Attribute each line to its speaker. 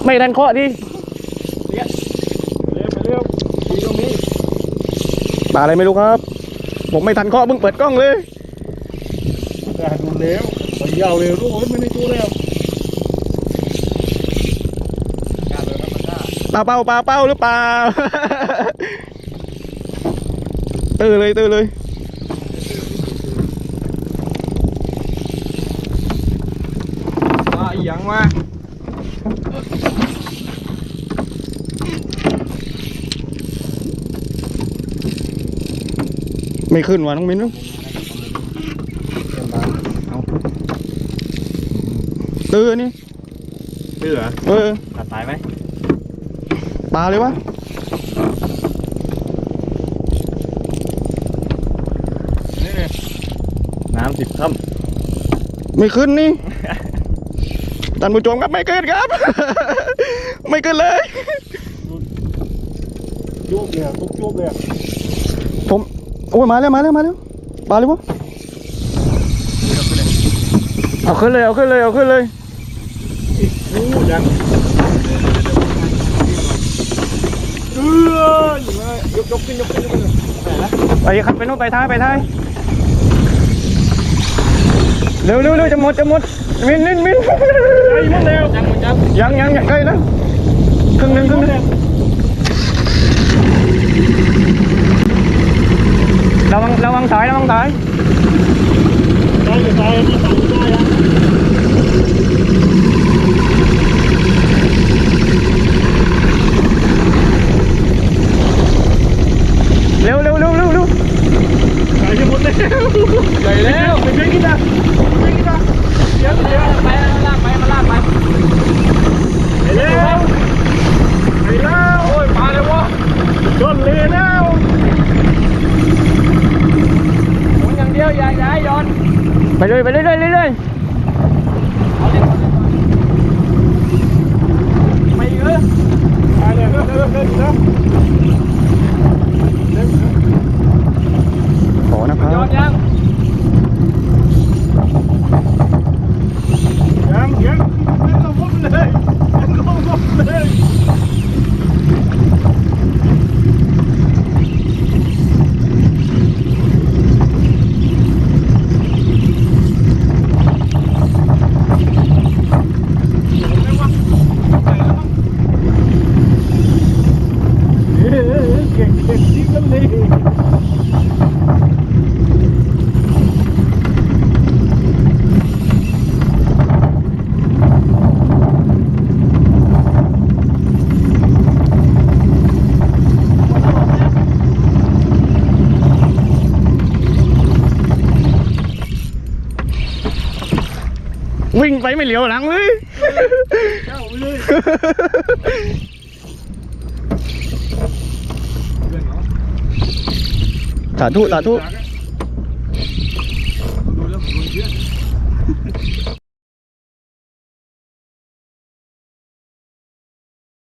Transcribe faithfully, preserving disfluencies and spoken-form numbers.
Speaker 1: ไม่ทันเคาะดิ
Speaker 2: เร็วเร็วดีตรงนี้
Speaker 1: ปลาอะไรไม่รู้ครับผมไม่ทันเคาะมึงเปิดกล้องเลย
Speaker 2: แต่ดูเร็วไปยาวเร็วรู้ไม่ได้ดูแล้ว
Speaker 1: ปลาเป้าปลาเป้าหรือเปล่าตื้อเลยตื้อเลย
Speaker 2: ปลาอีหยังมา
Speaker 1: ไม่ขึ้นวะน้องมิ้นตื้อนี่
Speaker 2: ตื้อเหรอ
Speaker 1: เออ
Speaker 2: ตัดสายไหม
Speaker 1: ปลาเลยวะ
Speaker 2: น้ำสิบค่
Speaker 1: ำไม่ขึ้นนี่ท่านผู้ชมครับไม่ขึ้นครับไม่ขึ้นเลย
Speaker 2: ยุบเลยทุกยุบเลย
Speaker 1: ผมโอ้ยมาแล้วมาแล้วมาแล้วปลาเลยวะเอาขึ้นเลยเอาขึ้นเลยเอาขึ้นเลย
Speaker 2: โอ้ยังเอออยู่เลยยกยกขึ้นยกขึ้นยกขึ้นไหนละ
Speaker 1: ไปครับไปโน่นไปท้ายไปท้ายเร็วเร็วเร็วจะหมดจะหมดมินมินมิน
Speaker 2: ไอ้หมดแล้วยังหมดยัง
Speaker 1: ยังยังยังใกล้แล้วครึ่งหนึ่งครึ่งหนึ่งระวังระวังสายระวังสาย
Speaker 2: ได้อยู่ได้นี่สายได้อะ
Speaker 1: เร็วเร็วเร็วเร็วเร็ว
Speaker 2: ใหญ่จะหมดแล้ว
Speaker 1: ใหญ่แล้ว
Speaker 2: ไปเพื่อนกินนะไปกินนะเดี๋ยวเดี๋ยว
Speaker 1: ไปลากไปมาลากไป
Speaker 2: ไปแล้วไปแล้วโอ้ยมาเลยวะชนเลยแล้ว
Speaker 1: หมุนอย่างเดียวอย่าอย่าย้อนไปเลยไปเรื่อยเรื่อยเรื่อย
Speaker 2: ไม่เยอะไปเลยเดินเดินเดินเดิน
Speaker 1: ขอนะครับ
Speaker 2: ยังยังยังยังลงมุมเลยยังลงมุมเลยเก่งเก่งจริงกันเลย
Speaker 1: วิ่งไปไม่เหลียวหลังเลย
Speaker 2: เจ้าไปเลย
Speaker 1: สาธุสาธุ